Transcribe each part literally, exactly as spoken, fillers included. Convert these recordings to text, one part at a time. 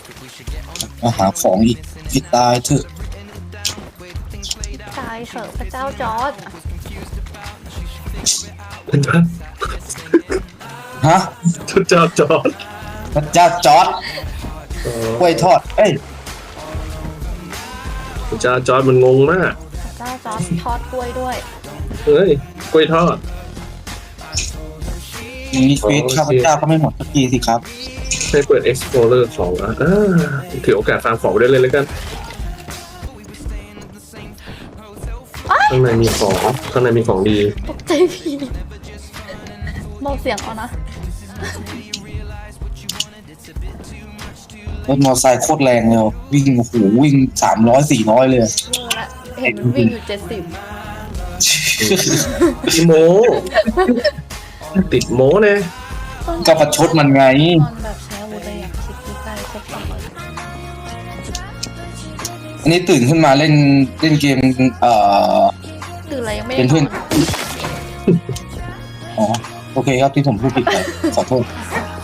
มาหาของอีกให้ตายเถอะตายเถอะพระเจ้าจอร์จฮะชุดเจ้าจอร์ดพระเจ้าจอร์ดกล้วยทอดเอ้ยชุดเจ้าจอร์ดมันงงมากพระเจ้าจอร์จทอดกล้วยด้วยเฮ้ยกล้วยทอดอย่างนี้ชีวิตข้าพเจ้าก็ไม่หมดสักทีสิครับให้เปิด Explorer ของอ่ะอ่าถือโอกาสฟาร์มของได้เลยแล้วกันข้างในมีของข้างในมีของดีตกใจพี่เบาเสียงเอานะรถมอเตอร์ไซค์โคตรแรงเลยวิ่งโอ้โหวิ่งสามร้อยสี่ร้อยเลยเวอร์ละเห็นมันวิ่งอยู่เจ็ดสิบติโม ติดโมเนี่ยก็ประชดมันไงตอนแบบใช้อาวุธเลยอยากคิดใกล้ๆครบสองร้อยอันนี้ตื่นขึ้นมาเล่นเล่นเกมเอ่อคืออะไรยังไม่เป็นได้เพื่อนอ๋อโอเคครับที่ผมพูดผิดไปขอโทษ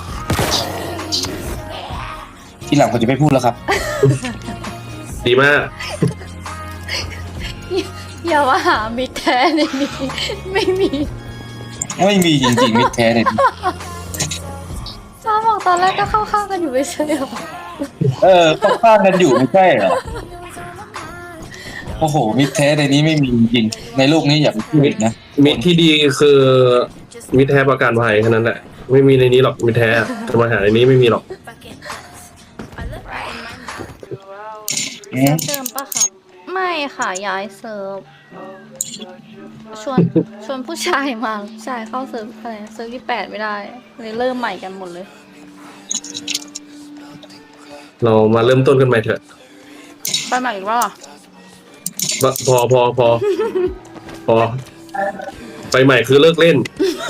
ทีหลังผมจะไม่พูดแล้วครับดีมากอย่าว่าหามิตรแท้ในนี้ไม่มีไม่มีจริงๆมิตรแท้เลยจ้าบอกตอนแรกก็เข้าข้างกันอยู่ไม่ใช่หรอเออเขาข้างกันอยู่ไม่ใช่เหรอโอ้โหมิตรแท้ในนี้ไม่มีจริงในโลกนี้อย่าไปพูดอีกนะมิตรที่ดีคือมิตรแท้ประกันภัยแค่นั้นแหละไม่มีในนี้หรอกมิตรแท้จะมาหาในนี้ไม่มีหรอกอืเซิมร์ฟเดิมปะครับ ไม่ค่ะย้ายเซิร์ฟชวนชวนผู้ชายมาผู้ชายเข้าเซิร์ฟอะไรเซิร์ฟที่แปดไม่ได้เลยเริ่มใหม่กันหมดเลยเรามาเริ่มต้นกันใหม่เถอะไปใหม่อีกว่าพอพอพอพอไปใหม่คือเลิกเล่น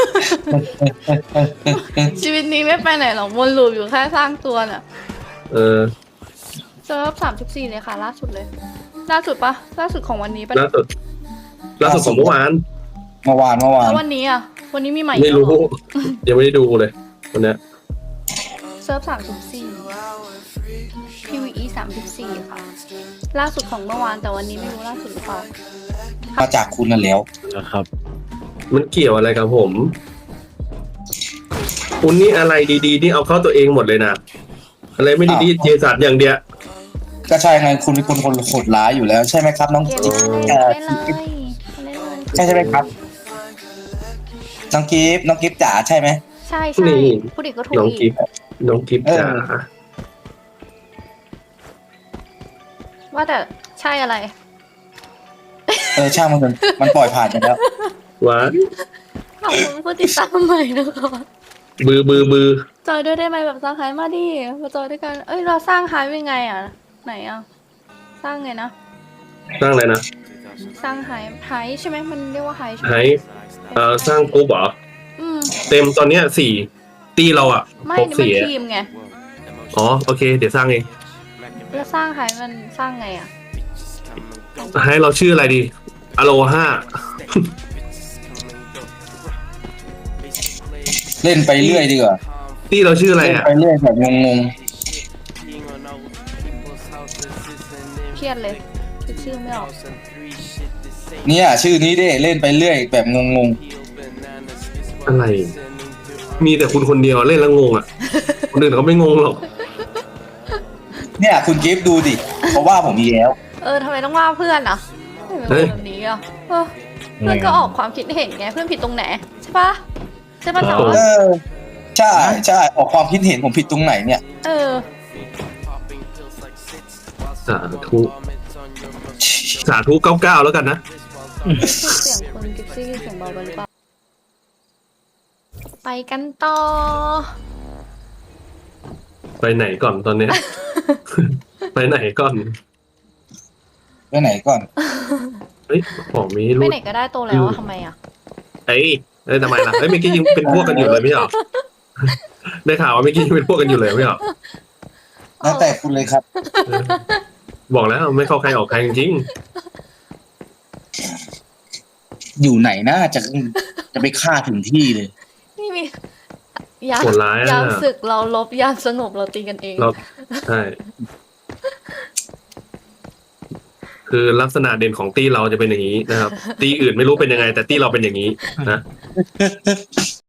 ชีวิตนี้ไม่ไปไหนหรอกวนลูปอยู่แค่สร้างตัวน่ะเออเซิร์ฟสามสิบสี่เลยค่ะ ล่าสุดเลย ล่าสุดปะล่าสุดของวันนี้ปะล่าสุดล่าสุดของเมื่อวานเมื่อวานเมื่อวานแล้ววันนี้อ่ะ วันนี้มีใหม่อีกไม่แล้วรู้เหรอยังไม่ได้ดูเลยวันเนี้ยเซิร์ฟสามสิบสี่ พี วี อี สามสิบสี่ค่ะ ล่าสุดของเมื่อวานแต่วันนี้ไม่รู้ล่าสุดหรือเปล่ามาจากคุณนั่นแล้วนะครับมันเกี่ยวอะไรกับผมคุณนี่อะไรดีๆนี่เอาเข้าตัวเองหมดเลยนะอะไรไม่ดีๆเจสัตอย่างเดียวก็ใช่ไงคุณเป็นคนคนโหดร้ายอยู่แล้วใช่ไหมครับ น้องเกมจิ๊บหน้าเลยเอ่อเล่นเลยเล่นเลยใช่ใช่ไหมครับน้องกิฟต์น้องกิฟต์จ๋าใช่ไหมใช่ใช่พูดอีกก็ถูกน้องอีกิกฟน้องกิฟเออจ๋าว่าแต่ใช่อะไรเออช่างมันเถอะมันปล่อยผ่านไปแล้วหวานขอบคุณผู้ติดตามใหม่นะคะบือบือบือจอยด้วยได้ไหมแบบสร้างไฮมาดิมาจอยด้วยกัน เอ้ยเราสร้างไฮยังไงอ่ะ ไหนอ่ะ สร้างไงนะสร้างอะไรนะสร้างไฮไฮใช่ไหมมันเรียกว่าไฮใช่ไหมให้เอ่อสร้างกรุ๊ปเหรออืมเต็มตอนเนี้ยสี่ตีเราอ่ะไม่ครบนี่มันสี่อะทีมไงอ๋อโอเค เดี๋ยวสร้างเองแล้วสร้างไฮมันสร้างไงอ่ะให้เราชื่ออะไรดีอโลห้าเล่นไปเรื่อยดีกว่าตีเราชื่ออะไรเล่นอ่ะไปเรื่อยแบบงงเครียดเลยคิดชื่อไม่ออกๆเนี่ยชื่อนี้ดิเล่นไปเรื่อยแบบงงอะไร มีแต่คุณคนเดียวเล่นแล้วงงอ่ะ คนอื่นเขาไม่งงหรอกๆเนี่ยคุณกิฟต์ดูดิเพราะว่าผมมีแล้วเออทำไมต้องว่าเพื่อนอ่ะทำไมเป็นคนแบบนี้อ่ะเออเพื่อนก็ออกความคิดเห็นไงเพื่อนผิดตรงไหนใช่ปะใช่ปะจอเอร์จอใช่ใช่ออกความคิดเห็นผมผิดตรงไหนเนี่ยเออสาธุสาธุเก้าเก้าแล้วกันนะเสียงคุณกิฟซี่เสียงเบาไปหรือเปล่าไปกันต่อไปไหนก่อนตอนเนี้ย ไปไหนก่อนไปไหนก่อนเฮ้ยของมีไปรูดไหนก็ได้โตแล้วอะทำไมอ่ะเอ้ยเอ้ยทำไมล่ะเอ้ยเมื่อกี้ยังเป็นพวกกันอยู่เลยไม่ใช่เหรอ ได้ข่าวว่าเมื่อกี้ยังเป็นพวกกันอยู่เลยไม่ใช่เหรอแล้วแต่คุณเลยครับเออบอกแล้วไม่เข้าใครออกใครจริงอยู่ไหนน่าจะจะไปฆ่าถึงที่เลยนี่มียามโหดร้ายอะยามศึกเราลบยามสงบเราตีกันเองเราใช่ คือลักษณะเด่นของตี้เราจะเป็นอย่างนี้นะครับ ตี้อื่นไม่รู้เป็นยังไง แต่ตี้เราเป็นอย่างนี้นะ